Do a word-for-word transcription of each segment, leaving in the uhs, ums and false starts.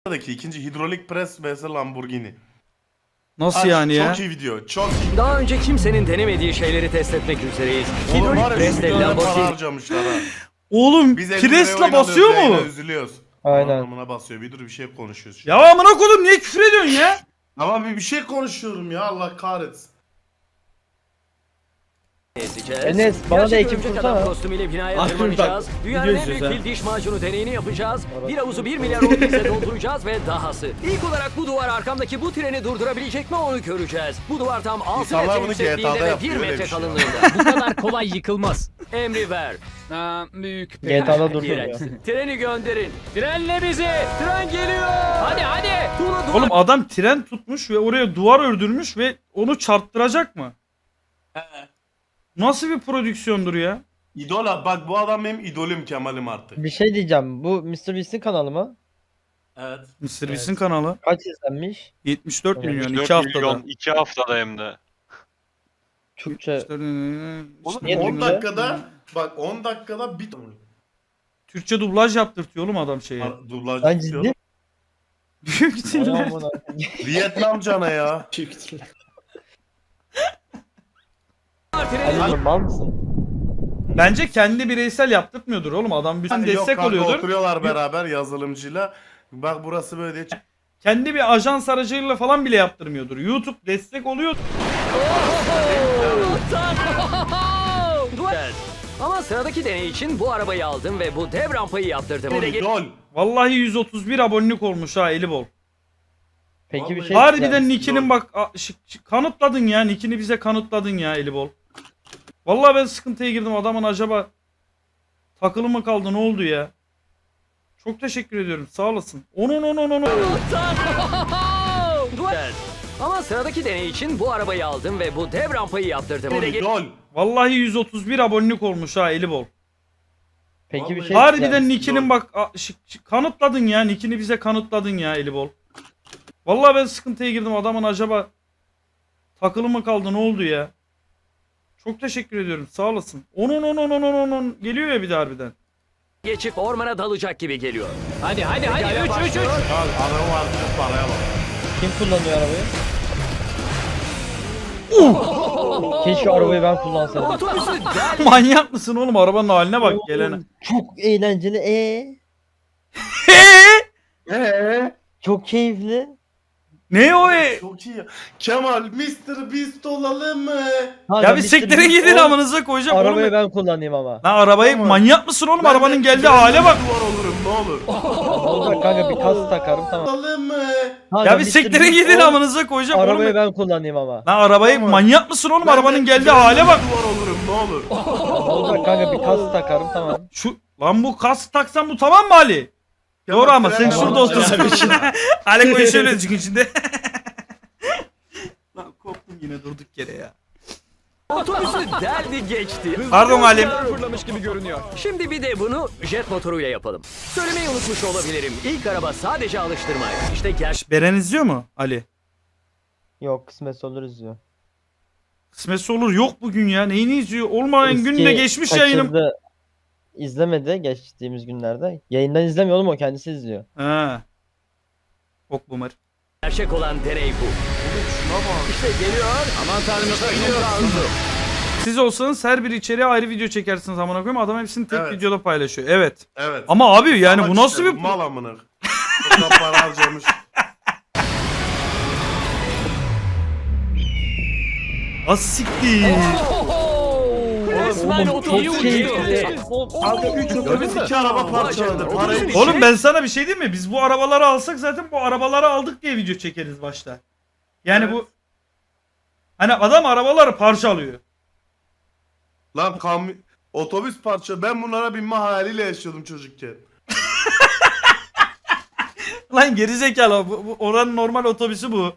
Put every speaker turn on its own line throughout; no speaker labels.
ikinci hidrolik pres vs Lamborghini.
Nasıl
Aç,
yani ya?
Çok iyi video. Çok iyi.
Daha önce kimsenin denemediği şeyleri test etmek üzereyiz.
Oğlum var
Hidrolik
ya
presle
yüz milyon para
Lamborghini.
harcamışlar ha.
Oğlum
Biz elli liraya
presle
oyun
basıyor
alıyoruz,
mu?
yayına üzülüyoruz.
Aynen.
Anlamına basıyor. Bir dur bir şey konuşuyoruz.
Ya amına koydum niye küfür ediyorsun ya?
Ama bir, bir şey konuşuyorum ya Allah kahretsin.
Ezeceğiz.
Enes, bana da
Gerçek
ekip
örümcek
kursana.
adam kostümüyle binaya
Aklım
tırmanacağız.
bak,
Dünyanın
video
en büyük
izliyoruz
fil diş macunu deneyini yapacağız. Bir havuzu bir milyar orbize dolduracağız ve dahası. İlk olarak bu duvar arkamdaki bu treni durdurabilecek mi onu göreceğiz. Bu duvar tam altı
İnsanlar
metre
bunu
yüksekliğinde
G T A'da
ve
yapıyor,
bir
öyle
metre
bir şey.
kalınlığında.
Bu kadar kolay yıkılmaz.
Emri ver.
Ha, büyük
G T A'da dursun
İğrenç.
ya.
Treni gönderin.
Trenle bizi.
Tren geliyor.
Hadi hadi.
Tuğla duvar.
Oğlum adam tren tutmuş ve oraya duvar ördürmüş ve onu çarptıracak mı? Nasıl bir prodüksiyondur ya?
İdol abi bak bu adam benim idolüm Kemal'im artık.
Bir şey diyeceğim. Bu mister Beast'in kanalı mı?
Evet.
mister Beast'in kanalı
Kaç izlenmiş?
yetmiş dört milyon
yetmiş dört
iki haftada.
milyon iki haftada hem de.
Türkçe.
Oğlum
Niye
on
Türkçe?
dakikada bak on dakikada bir
Türkçe dublaj yaptırtıyor oğlum adam şeye.
dublaj
Lan
yapıyor.
ciddi.
Büyük ihtimalle.
Ay amına.
Vietnam cana ya.
treni.
Ali mal mısın?
Bence kendi bireysel yaptırtmıyordur oğlum adam bütün
Yok
destek
kanka,
oluyordur.
oturuyorlar beraber yazılımcıyla. Bak burası böyle diye.
Kendi bir ajans aracıyla falan bile yaptırmıyordur. YouTube destek oluyor.
Duvar. Ama sıradaki deney için bu arabayı aldım ve bu dev rampayı yaptırdım.
İdol, idol.
Vallahi yüz otuz bir abonelik olmuş ha eli bol.
Peki bir
Vallahi-
şey
Harbiden
diyeceğim.
nickinin bak a- ş- ş- kanıtladın ya nickini bize kanıtladın ya eli bol. Vallahi ben sıkıntıya girdim adamın acaba takılı mı kaldı ne oldu ya? Çok teşekkür ediyorum sağ olasın. Onun onun onun.
Duvar. Ama sıradaki deney için bu arabayı aldım ve bu dev rampayı yaptırdım.
İdol, idol.
Vallahi yüz otuz bir abonelik olmuş ha eli bol.
Peki bir
Vallahi-
şey
Harbiden
diyeceğim.
nickinin bak a- ş- ş- kanıtladın ya nickini bize kanıtladın ya eli bol. Vallahi ben sıkıntıya girdim adamın acaba takılı mı kaldı ne oldu ya? Çok teşekkür ediyorum sağ olasın. Onun onun onun onun onun geliyor ya bir de harbiden.
Geçip ormana dalacak gibi geliyor.
Hadi hadi hadi. Üç üç üç.
Abi adamın harcı paraya bak.
Kim kullanıyor arabayı? Keşke arabayı ben kullansaydım.
Otobüsü del.
Manyak mısın oğlum arabanın haline bak gelene.
Çok eğlenceli. Ee,
Eee?
çok keyifli.
Ne o e?
Çok iyi ya. Kemal mister Beast olalım mı?
Ha,
Ya
ben
bir
mister
siktirin
Beast
gidin
ol,
amınıza koyacağım oğlum.
Arabayı ben kullanayım ama.
Lan arabayı
Tamam.
manyak mısın oğlum
Ben
arabanın
de-
geldiği
ben de
hale bak.
Duvar olurum ne olur.
Olacak kanka bir kas takarım tamam.
Olalım mı?
Ha,
Ya
ben
bir
mister
siktirin
Beast
gidin
ol,
amınıza koyacağım
Arabayı
oğlum.
ben kullanayım ama.
Lan arabayı
Tamam.
manyak mısın oğlum
Ben
arabanın
de-
geldiği
ben de
hale bak.
Duvar olurum ne olur.
Olacak kanka bir kas takarım tamam.
Şu lan bu kask taksan bu tamam mı Ali?
Kemal,
Doğru ama sen
trenle
şurada
bana-
otursun. Ali koyu şöyle çünkü içinde. Lan koptum yine durduk yere ya.
Otobüsü deldi geçti.
Pardon Halim.
Fırlamış gibi görünüyor.
Şimdi bir de bunu jet motoruyla yapalım. Söylemeyi unutmuş olabilirim. İlk araba sadece alıştırmaydı. İşte gerçek.
Beren izliyor mu Ali?
Yok kısmet olur izliyor.
Kısmetse olur yok bugün ya. Neyini izliyor? Olmayan
Eski
günde geçmiş yayınım.
kaçırdı, İzlemedi geçtiğimiz günlerde. Yayından izlemiyor oğlum o kendisi izliyor.
He. Bok boomer.
Gerçek olan deney bu. İşte geliyor.
Aman tanrım
Geliyor hızlı.
Siz olsanız her bir içeriğe ayrı video çekersiniz amına koyayım. Adam hepsini tek
Evet.
videoda paylaşıyor. Evet.
Evet.
Ama abi yani
Salak
bu nasıl
işte,
bir
mal amına. O kadar para harcamış.
asiktir.
Resmen
Oğlum,
otobüsü
çok
geçiyor.
keyifli.
Abi üç otobüs iki araba parçaladı. Parayı bir
Oğlum ben sana bir şey diyeyim mi? Biz bu arabaları alsak zaten bu arabaları aldık diye video çekeriz başta. Yani
Evet.
bu hani adam arabaları parçalıyor.
Lan kam otobüs parça ben bunlara binme hayaliyle yaşıyordum çocukken.
Lan gerizekalı bu, bu oranın normal otobüsü bu.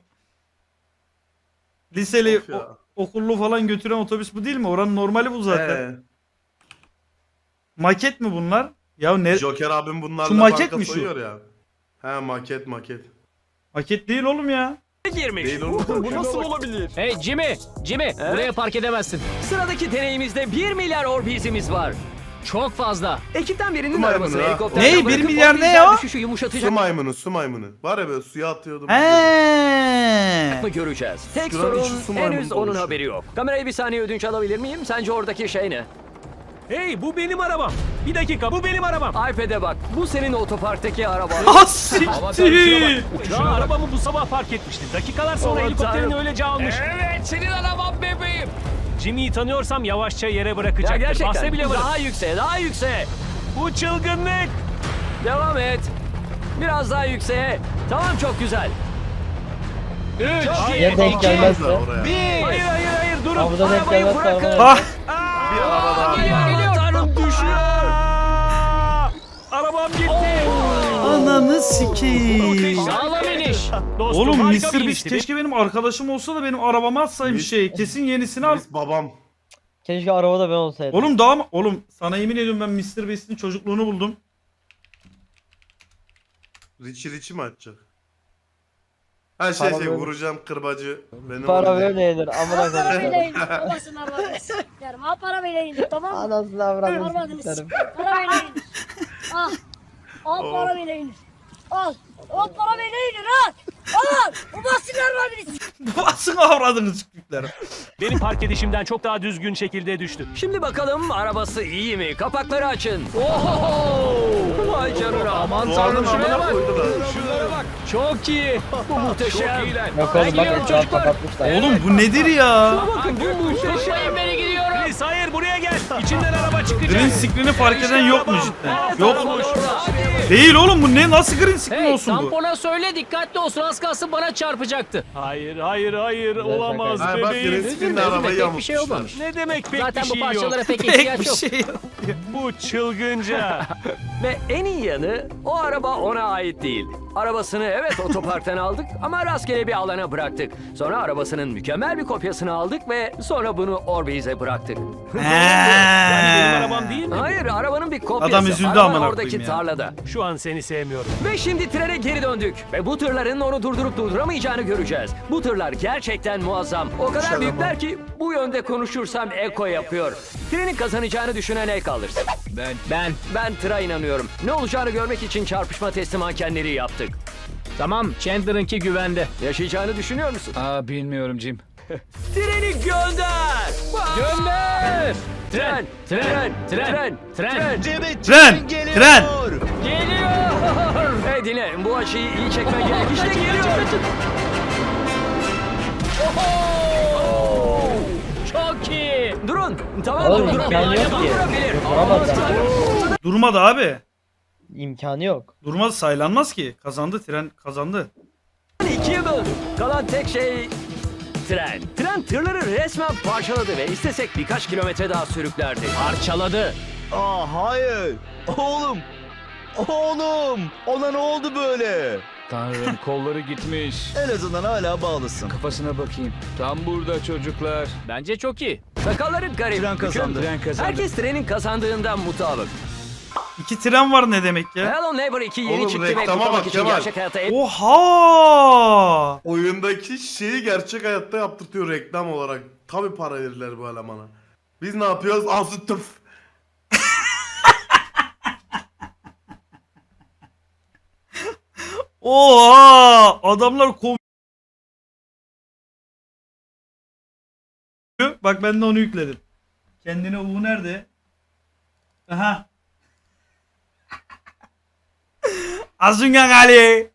Liseli
Of ya.
o- okullu falan götüren otobüs bu değil mi? Oranın normali bu zaten.
Ee,
Maket mi bunlar? Ya ne?
Joker abim bunlarla
Şu maket
banka
mi şu?
soyuyor ya. He maket maket.
Maket değil oğlum ya.
girmiş.
Değil oğlum.
Bu nasıl olabilir? Hey Jimmy, Jimmy buraya park edemezsin.
Sıradaki deneyimizde bir milyar orbizimiz var.
Çok fazla.
Ekipten birinin
Su
arabasını
maymunu ha.
helikopterden
Ne? Bir
bırakıp
milyar
o
ne
rüzgar
o?
düşüşü
Su
yumuşatacak
maymunu, su maymunu. Var ya böyle suya atıyordum.
He.
mı göreceğiz. Tek
Şuranın
sorun
içi su maymunu
henüz onun
doluşuyor.
haberi yok. Kamerayı bir saniye ödünç alabilir miyim? Sence oradaki şey ne?
Hey bu benim arabam. Bir dakika bu benim arabam.
iPad'e bak. Bu senin otoparktaki araban.
Ah siktir.
Daha arabamı bu sabah park etmiştim. Dakikalar sonra
Aman
helikopterini
tanrım.
öylece almış.
Evet senin arabam bebeğim.
Jimmy'yi tanıyorsam yavaşça yere
Ya
bırakacaktır.
gerçekten.
Bahse bile varım.
Daha yükseğe, daha yükseğe.
Bu çılgınlık.
Devam et. Biraz daha yükseğe. Tamam çok güzel.
Üç.
Çok iyi.
Ya denk gelmezse?
Oraya.
Bir.
Hayır hayır hayır durun.
Havada denk
Arabayı
gelmezse
bırakın.
araba.
Ah.
Bir araba daha.
Geliyor geliyor.
Tanrım düşüyor. Arabam gitti.
Ananı sikeyim.
Sağlam iniş.
Dostum,
Oğlum
harika
mister
bir
Beast
inişti.
keşke benim arkadaşım olsa da benim arabama atsaymış
Mis-
şey. Kesin yenisini al.
Biz babam.
Keşke arabada ben olsaydım.
Oğlum daha mı? Oğlum sana yemin ediyorum ben mister Beast'in çocukluğunu buldum.
Richie Richie mi açacak? Her şey
Para
şey
böyle-
vuracağım kırbacı. Benim
Para
öyle.
böyle yenir. Amına
Para
koyayım.
böyle indir. Babasının arabasını sikerim. Ha para böyle indir tamam mı?
Anasını avradını
Arabadını
sikerim.
sikerim. Para böyle indir. Al. Al para böyle indir. Al. Al para böyle indir al. Al. Babasının arabasını sikerim.
Basın avradını çıktıkları.
Benim park edişimden çok daha düzgün şekilde düştü.
Şimdi bakalım arabası iyi mi? Kapakları açın. Oho! Vay canına.
Aman
Doğanın
tanrım şuraya
amına
bak.
koydular.
Şunlara bak. Çok iyi.
Bu muhteşem.
Çok iyiler.
Yok
Ben
oğlum bak
gidiyorum
etrafı
çocuklar.
kapatmışlar.
Oğlum bu nedir ya?
Bakın bu muhteşem.
Tutmayın beni gidiyorum.
Chris hayır buraya gel. İçinden araba çıkacak.
Green screen'i fark eden yok mu cidden? Yok.
Orada.
Değil oğlum bu ne? Nasıl green screen
Hey
olsun bu?
tampona söyle dikkatli olsun az kalsın bana çarpacaktı.
Hayır hayır hayır olamaz
Ha bak
bebeğim.
Reskin'le
Üzülme,
arabayı
üzülme, pek bir şey
yamutmuşlar.
olmamış.
Ne demek pek
Zaten
bir
bu
şey yok.
parçalara pek
Pek
ihtiyaç
bir
yok.
şey yok.
Bu çılgınca.
Ve en iyi yanı o araba ona ait değil. Arabasını evet otoparktan aldık ama rastgele bir alana bıraktık. Sonra arabasının mükemmel bir kopyasını aldık ve sonra bunu Orbeez'e bıraktık.
Yani benim arabam değil mi?
Hayır arabanın bir kopyası.
Adam üzüldü
Araba
amına
oradaki
koyayım ya.
tarlada.
Şu an seni sevmiyorum.
Ve şimdi trene geri döndük. Ve bu tırların onu durdurup durduramayacağını göreceğiz. Bu tırlar gerçekten muazzam. O kadar
Şaka
büyükler ki bu yönde konuşursam eko yapıyor. Trenin kazanacağını düşünen el kaldırsın.
Ben. Ben.
Ben tıra inanıyorum. Ne olacağını görmek için çarpışma testi mankenleri yaptık.
Tamam Chandler'ınki güvende.
Yaşayacağını düşünüyor musun?
Aa bilmiyorum Jim.
Treni gönder!
Gönder.
Tren,
Tren. Tren. Tren.
tren.
Tren! Tren!
Geliyor.
Hey dinle, bu açıyı iyi çekmen gerek. İşte geliyor.
Oho! Çok iyi.
Durun. Tamam
Oğlum
durun.
imkanı yok ki.
Durdurabilir.
Duramaz zaten.
Durmadı abi.
İmkanı yok.
Durmaz saylanmaz ki. Kazandı tren kazandı.
İkiye böldük. Kalan tek şey tren. Tren tırları resmen parçaladı ve istesek birkaç kilometre daha sürüklerdi.
Parçaladı.
Aa hayır. Oğlum. Oğlum. Ona ne oldu böyle?
Tanrım kolları gitmiş.
En azından hala bağlısın.
Kafasına bakayım. Tam burada çocuklar. Bence çok iyi.
Sakalları garip.
Tren kazandı.
Tren kazandı.
Herkes trenin kazandığından mutabık.
İki tren var ne demek ya?
Hello Neighbor iki yeni
Oğlum,
çıktı ve
reklama
kutlamak
bak
için
Kemal.
gerçek hayatta en
Oha!
Oyundaki şeyi gerçek hayatta yaptırtıyor reklam olarak. Tabi para verirler bu elemana. Biz ne yapıyoruz? Azı tıf.
Oha! Adamlar kov... Bak ben de onu yükledim. Kendine U nerede? Aha. Azungan Ali.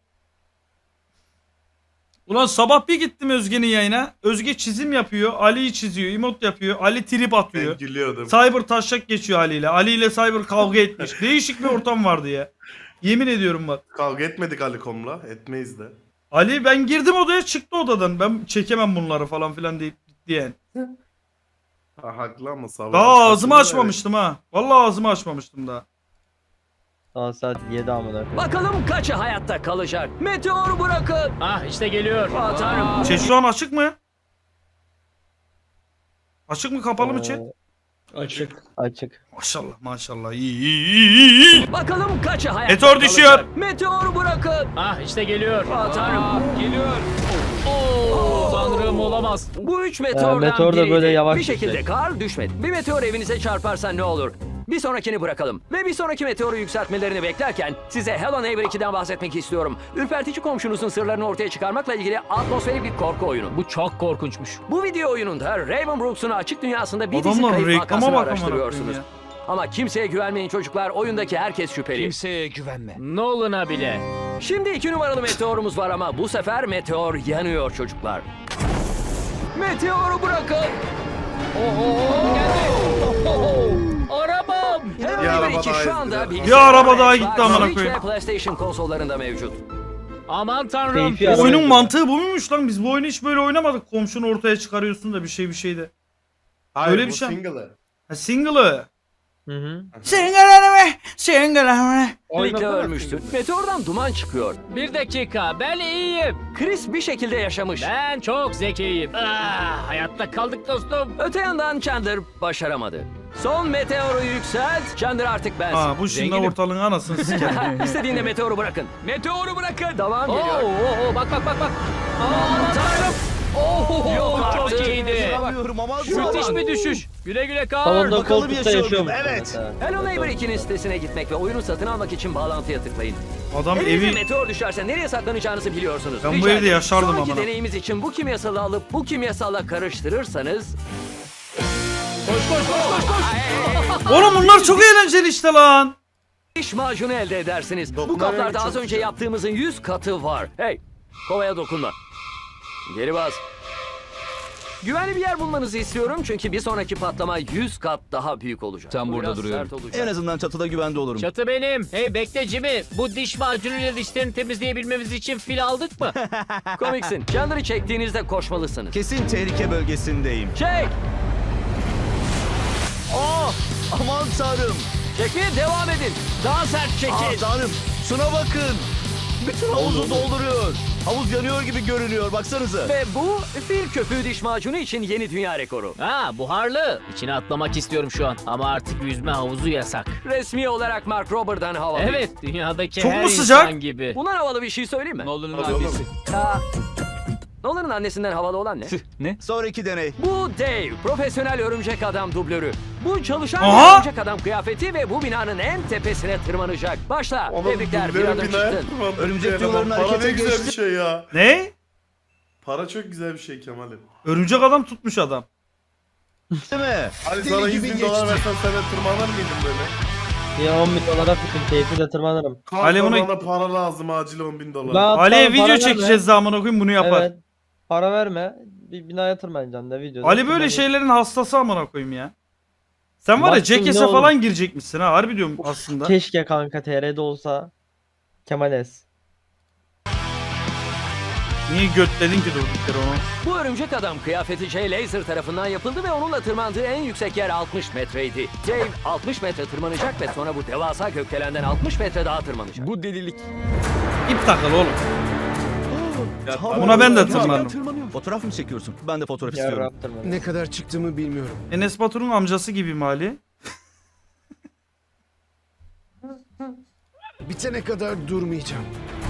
Ulan sabah bir gittim Özge'nin yayına. Özge çizim yapıyor. Ali'yi çiziyor. Emot yapıyor. Ali trip atıyor.
Ben gülüyordum.
Cyber taşak geçiyor Ali ile. Ali ile Cyber kavga etmiş. Değişik bir ortam vardı ya. Yemin ediyorum bak.
Kavga etmedik Alikom'la. Etmeyiz de.
Ali ben girdim odaya çıktı odadan. Ben çekemem bunları falan filan deyip diyen.
Ha, haklı ama sabah.
Daha ağzımı açmamıştım ha. Vallahi ağzımı açmamıştım daha.
Daha saat yedi amına koyayım.
Bakalım kaçı hayatta kalacak. Meteor bırakın.
Ah işte geliyor.
Aa, tanrım.
Chat şu an açık mı? Açık mı kapalı mı chat?
Açık. Açık.
Maşallah maşallah iyi iyi iyi iyi. iyi.
Bakalım kaçı hayatta
Meteor
kalacak.
düşüyor.
Meteor bırakın.
Ah işte geliyor.
Aa, tanrım.
Geliyor. Oo, tanrım olamaz.
Bu üç meteordan
Ee, meteor da
biriydi.
böyle yavaş
Bir şekilde
düşecek.
kar düşmedi. Bir meteor evinize çarparsa ne olur? Bir sonrakini bırakalım. Ve bir sonraki meteoru yükseltmelerini beklerken size Hello Neighbor iki'den bahsetmek istiyorum. Ürpertici komşunuzun sırlarını ortaya çıkarmakla ilgili atmosferik bir korku oyunu.
Bu çok korkunçmuş.
Bu video oyununda Raven Brooks'un açık dünyasında bir dizi
Adamlar
kayıp
reklama
vakasını
bak amına
araştırıyorsunuz.
koyayım
Ama kimseye güvenmeyin çocuklar. Oyundaki herkes şüpheli.
Kimseye güvenme. Nolan'a bile.
Şimdi iki numaralı meteorumuz var ama bu sefer meteor yanıyor çocuklar. Meteoru bırakın.
Oho geldi. Oho. Arabam.
Hello
Bir araba
Neighbor iki
daha
şu anda
izledim.
bilgisayar,
Bir araba daha
Xbox,
gitti amına
Switch
koyayım.
ve PlayStation konsollarında mevcut.
Aman tanrım.
Keyfi
Bu
araba
oyunun
gibi.
mantığı bu muymuş lan? Biz bu oyunu hiç böyle oynamadık. Komşunu ortaya çıkarıyorsun da bir şey bir şey de.
Hayır,
Öyle
bu
bir şey.
single'ı.
Ha single'ı.
Hı hı.
Single'ı Single'ı
Birlikte ölmüştün. Meteordan duman çıkıyor.
Bir dakika ben iyiyim.
Chris bir şekilde yaşamış.
Ben çok zekiyim. Ah, hayatta kaldık dostum.
Öte yandan Chandler başaramadı. Son meteoru yükselt. Chandler artık bensin.
Ha bu şimdi
Zenginim.
ortalığın anasını sikerim.
İstediğinde meteoru bırakın.
Meteoru bırakın.
Tamam
Oo,
geliyor.
oo, oo, bak bak bak bak. Aman tanrım. Oh,
Yok artık.
çok iyiydi.
İnanamıyorum ama
Müthiş bir düşüş. Güle güle kal.
Salonda
bakalım
koltukta
yaşıyor
yaşıyor
muyum?
musun
Evet.
mesela?
Hello Neighbor iki'nin sitesine gitmek ve oyunu satın almak için bağlantıya tıklayın.
Adam
Elinize
evi
meteor düşerse nereye saklanacağınızı biliyorsunuz.
Ben bu
Rica
evde
ederim.
yaşardım
Sonraki
amına.
deneyimiz için bu kimyasalı alıp bu kimyasalla karıştırırsanız...
Koş koş koş koş koş.
Oğlum bunlar çok eğlenceli işte lan.
diş macunu elde edersiniz. Bu
Dokunma
kaplarda
çok
az önce
güzel.
yaptığımızın yüz katı var. Hey, kovaya dokunma. Geri bas. Güvenli bir yer bulmanızı istiyorum çünkü bir sonraki patlama yüz kat daha büyük olacak.
Tam
Bu
burada
biraz
duruyorum.
sert olacak.
En azından çatıda güvende olurum.
Çatı benim. Hey bekle Jimmy. Bu diş macunuyla dişlerini temizleyebilmemiz için fil aldık mı?
Komiksin. Chandler'ı çektiğinizde koşmalısınız.
Kesin tehlike bölgesindeyim.
Çek!
Oh! Aman tanrım.
Çekmeye devam edin. Daha sert
Ah
çekin.
tanrım. Şuna bakın. Bütün havuzu dolduruyor. Havuz yanıyor gibi görünüyor. Baksanıza.
Ve bu fil köpüğü diş macunu için yeni dünya rekoru.
Ha buharlı. İçine atlamak istiyorum şu an. Ama artık yüzme havuzu yasak.
Resmi olarak Mark Robert'dan havalı.
Evet dünyadaki
Çok
her
mu sıcak?
insan gibi.
Bundan havalı bir şey söyleyeyim mi?
Nolan'ın
Hadi
annesi.
Aa, Nolan'ın annesinden havalı olan ne?
Sonraki deney.
Bu Dave, profesyonel örümcek adam dublörü. Bu çalışan
Aha!
bir örümcek adam kıyafeti ve bu binanın en tepesine tırmanacak. Başla.
Oğlum,
Tebrikler, bir
dublörü
adım
binaya
çıktın.
tırmandı.
Örümcek
Bir
diyorların
eleman. Para
harekete
ne güzel
geçti.
bir şey ya.
Ne?
Para çok güzel bir şey Kemal'im.
Örümcek adam tutmuş adam.
Değil mi?
Hani
Deli
sana
gibi
yüz bin dolar
geçti.
versen sen de tırmanır mıydın böyle?
Ya on bin dolara bütün keyifle tırmanırım.
Kanka
Ali buna-
bana para lazım acil on bin dolar.
Lan-
Ali'ye
tamam, para
video
verme.
çekeceğiz zamana koyayım bunu yapar.
Evet. Para verme. Bir binaya tırmanacaksın da videoda.
Ali böyle
Tırmanayım.
şeylerin hastası amına koyayım ya. Sen var ya
Baktım,
Jackass'e
ne olur.
falan girecekmişsin ha harbi diyorum aslında.
Keşke kanka T R'de olsa. Kemales.
Niye götledin ki durduk yere onu?
Bu örümcek adam kıyafeti Jay Laser tarafından yapıldı ve onunla tırmandığı en yüksek yer altmış metreydi. Dave altmış metre tırmanacak ve sonra bu devasa gökdelenden altmış metre daha tırmanacak.
Bu delilik.
İp takıl oğlum.
Tamam.
Buna ben de
Tırmanıyorum.
tırmanırım.
Fotoğraf mı çekiyorsun? Ben de fotoğraf istiyorum.
Yarrab tırmanırım.
Ne kadar çıktığımı bilmiyorum.
Enes Batur'un amcası gibi mi Ali?
Bitene kadar durmayacağım.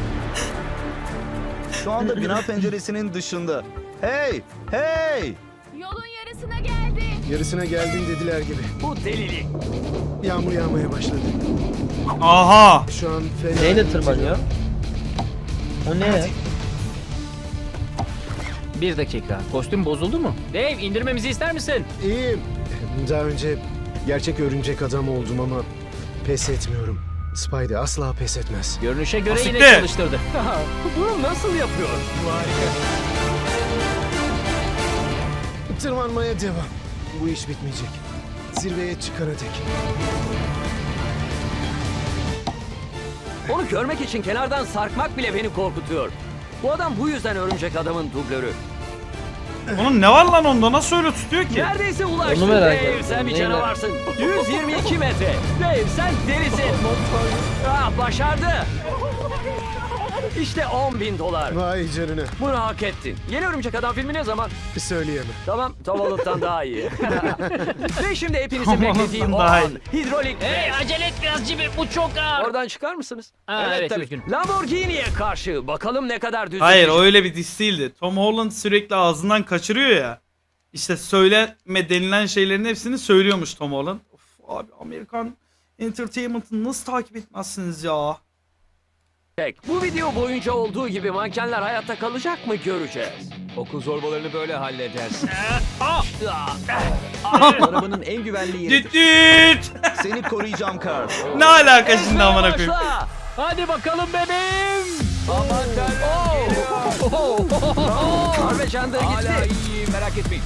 Şu anda bina penceresinin dışında. Hey! Hey!
Yolun yarısına geldi.
Yarısına geldin dediler gibi.
Bu delilik.
Yağmur yağmaya başladı.
Aha!
Şu an fena.
Neyle tırmanıyor? O ne?
Bir dakika. Kostüm bozuldu mu? Dave indirmemizi ister misin?
İyiyim. Daha önce gerçek örümcek adam oldum ama pes etmiyorum. Spidey asla pes etmez.
Görünüşe göre yine
Asiktir.
çalıştırdı.
Bunu nasıl yapıyor?
Tırmanmaya devam. Bu iş bitmeyecek. Zirveye çıkana dek.
Onu görmek için kenardan sarkmak bile beni korkutuyor. Bu adam bu yüzden örümcek adamın dublörü.
Onun ne var lan onda nasıl öyle tutuyor ki?
Neredeyse ulaştı.
Onu merak
Dave
ettim.
sen bir
Neyle?
canavarsın. yüz yirmi iki metre. Dave sen delisin. Ah, başardı. İşte on bin dolar.
Vay canına.
Bunu hak ettin. Yeni Örümcek Adam filmi ne zaman?
Söyleyemem.
Tamam, Tom Holland'dan daha iyi. Ve şimdi hepinizin
Tom
beklediği
Holland'dan
o
daha
an.
iyi.
Hidrolik
Hey
test.
acele et biraz Jimmy. Bu çok ağır.
Oradan çıkar mısınız?
Ha, evet,
tabii.
üzgünüm.
Lamborghini'ye karşı. Bakalım ne kadar düzgün.
Hayır o öyle bir diss değildi. Tom Holland sürekli ağzından kaçırıyor ya. İşte söyleme denilen şeylerin hepsini söylüyormuş Tom Holland. Of, Abi Amerikan Entertainment'ı nasıl takip etmezsiniz ya?
Bu video boyunca olduğu gibi mankenler hayatta kalacak mı göreceğiz.
Okul zorbalarını böyle halledersin.
Arabanın en güvenli yeri.
Düt düt.
Seni koruyacağım Carl.
Ne alaka şimdi amına koyayım?
Başla.
Hadi bakalım bebeğim.
Aman tanrım.
Kar ve Chandler
Hala
gitti.
iyiyim merak etmeyin.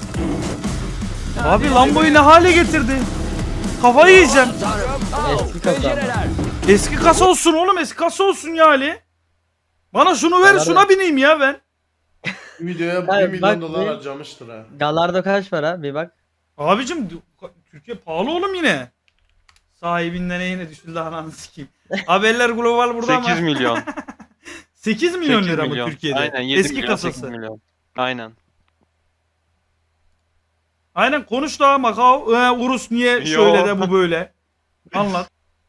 Abi Lambo'yu ne hale getirdi? Kafayı yiyeceğim.
Tanrım.
Eski kasa.
Pencereler.
Eski kasa olsun oğlum, eski kasa olsun ya Ali. Bana şunu ver,
Bana
şuna bineyim ya ben.
Videoya
Hayır,
bir milyon
bak
dolar
bir-
harcamıştır ha.
Galardo kaç para? Bir bak.
Abicim Türkiye pahalı oğlum yine. Sahibinden yine düşüldü ananı sikeyim. Haberler Global burada ama.
sekiz milyon.
sekiz milyon
sekiz
lira mı
milyon.
Türkiye'de?
Aynen yedi
Eski
milyon,
kasası.
sekiz milyon. Aynen.
Aynen konuş da Macau. Ee, Urus niye
Yo.
şöyle de bu böyle. Anlat.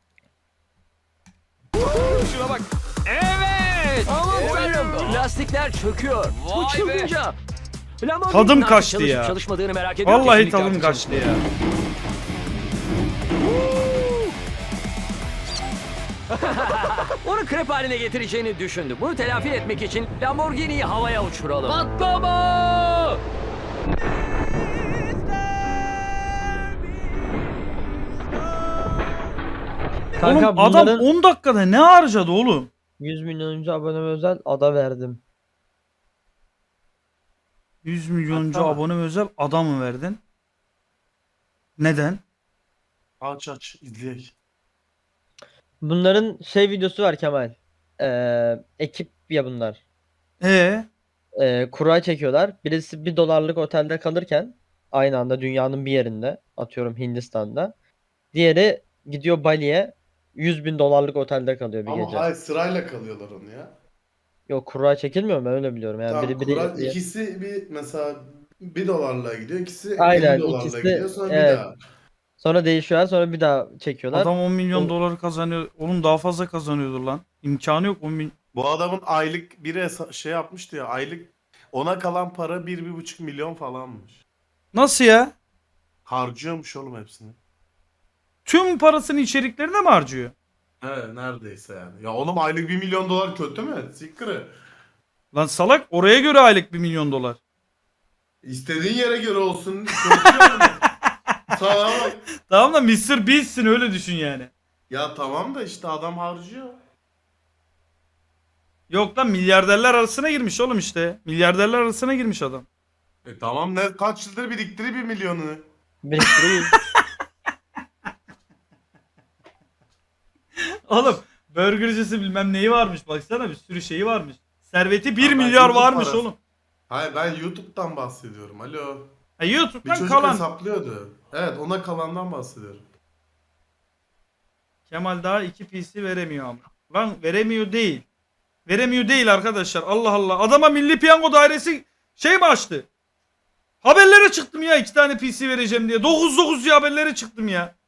Şuna bak.
Evet. Aman tanrım. Lastikler çöküyor. Bu
Vay be.
çılgınca. Lamborghini'nin
Tadım
artık
kaçtı
çalışıp
ya.
Çalışmadığını merak ediyorum.
Vallahi
Kesinlikle
tadım
artık
kaçtı ya.
Onu krep haline getireceğini düşündü. Bunu telafi etmek için Lamborghini'yi havaya uçuralım.
Patlama.
Kanka
Oğlum adam
bunların
on dakikada ne harcadı oğlum?
yüz milyonuncu abone özel ada verdim.
yüz milyoncu
Tamam.
abone özel adam mı verdin? Neden?
Aç aç izleyek.
Bunların şey videosu var Kemal. Ee, ekip ya bunlar.
Ee,
Ee, kura çekiyorlar. Birisi bir dolarlık otelde kalırken aynı anda dünyanın bir yerinde, atıyorum Hindistan'da. Diğeri gidiyor Bali'ye yüz bin dolarlık otelde kalıyor bir
Ama
gece.
hayır sırayla kalıyorlar onu ya.
Yok kura çekilmiyor mu? Ben öyle biliyorum. Yani
Tamam,
biri biri
Kur'an ikisi bir mesela bir dolarla gidiyor, ikisi
Aynen,
elli dolarla
ikisi-
gidiyor sonra
evet.
bir daha.
sonra değişiyorlar, sonra bir daha çekiyorlar.
adam on milyon
O-
dolar kazanıyor. Oğlum daha fazla kazanıyordur lan. İmkanı yok on milyon.
Bu adamın aylık biri hesa- şey yapmıştı ya, aylık ona kalan para bir, bir buçuk milyon falanmış.
Nasıl ya?
Harcıyormuş oğlum hepsini.
Tüm parasını içeriklerine mi harcıyor?
He neredeyse yani. Ya oğlum aylık bir milyon dolar kötü mü? Sikri.
Lan salak, oraya göre aylık bir milyon dolar.
İstediğin yere göre olsun. Kötü yani. Sana bak.
Tamam da mister Beast'sin, öyle düşün yani.
Ya tamam da işte adam harcıyor.
Yok lan, milyarderler arasına girmiş oğlum işte. Milyarderler arasına girmiş adam.
E tamam ne kaç yıldır biriktiri bir milyonu.
Biriktiriyor.
Oğlum burgercisi bilmem neyi varmış, baksana bir sürü şeyi varmış. Serveti bir
Ya ben
milyar
YouTube
varmış
parası-
oğlum.
Hayır ben YouTube'dan bahsediyorum. Alo.
Ha,
Bir
YouTube'dan
çocuk
kalan.
hesaplıyordu. Evet ona kalandan bahsediyorum.
Kemal daha iki P C veremiyor ama. Lan veremiyor değil. Veremiyor değil arkadaşlar. Allah Allah. Adama Milli Piyango Dairesi şey mi açtı? Haberlere çıktım ya, iki tane P C vereceğim diye. dokuz dokuz diye haberlere çıktım ya.